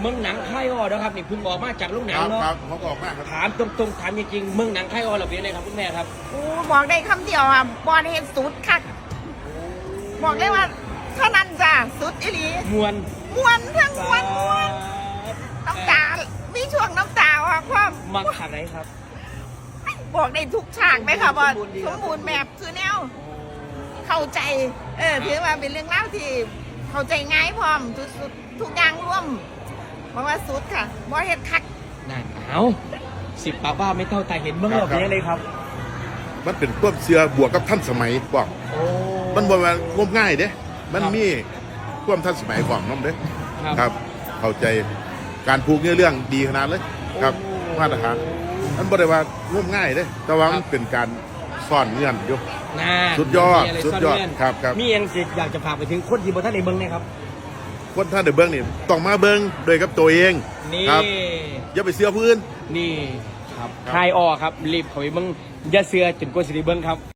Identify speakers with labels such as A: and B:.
A: เมืองหนังค่ายอ้อนะครับนี่เพิ่งออกมาจากโรงหนังเนาะ
B: ครับเขาก็ออกมาครับ
A: ถามตรงๆถามจริงๆเมืองหนังค่ายอ้อเราเป็นยังไงครับคุณแม่ครับ
C: โอ้บอกได้คำเดียวอ่ะบอลเห็นสุดคักบอกเลยว่าเท่านั้นจ้ะสุดอีหลี
A: มวน
C: มวนทั้งมวนน้ำตามีช่วงน้ำตาอ่ะความ
A: มักฉากไหนครับ
C: บอกได้ทุกฉากไหมคะบอล
A: สมบูรณ์ดี
C: สมบูรณ์แบบคือแนวเข้าใจถือว่าเป็นเรื่องเล่าที่เข้าใจง่ายพร้อมทุกอย่างร่วมบอกว่าสุดค่ะบอลเห็นคัก
A: นั่นเอา10 ปากว่าไม่เท่าตาเห็นเมืองเราเป็นยังไงครับ
B: มันเป็นความเชื่อบวกกับท่านสมัยบอกมันบ่ว่างมง่ายเด้มันมีความทันสมัยของน้องเด้ครับเข้าใจการผูกเรื่องดีขนาดเลยครับมาตรฐานมันบ่ได้ว่างมง่ายเด้แต่ว่ามันเป็นการซ่อนเงื่อนอยู่สุดยอดครับ
A: มีอย่างอยากจะฝากไปถึงคนที่บ่ทันได้เบิ่งนะครับ
B: คนท่านเดือเบิ้งนี่ต้องมาเบิ้งโดยกับตัวเองครับอย่าไปเสื้อพื้น
A: นี่ครับค่ายอ้อครับรีบเข้าไปเบิ่งอย่าเสือจนกว่าสิได้เบิ่งครับ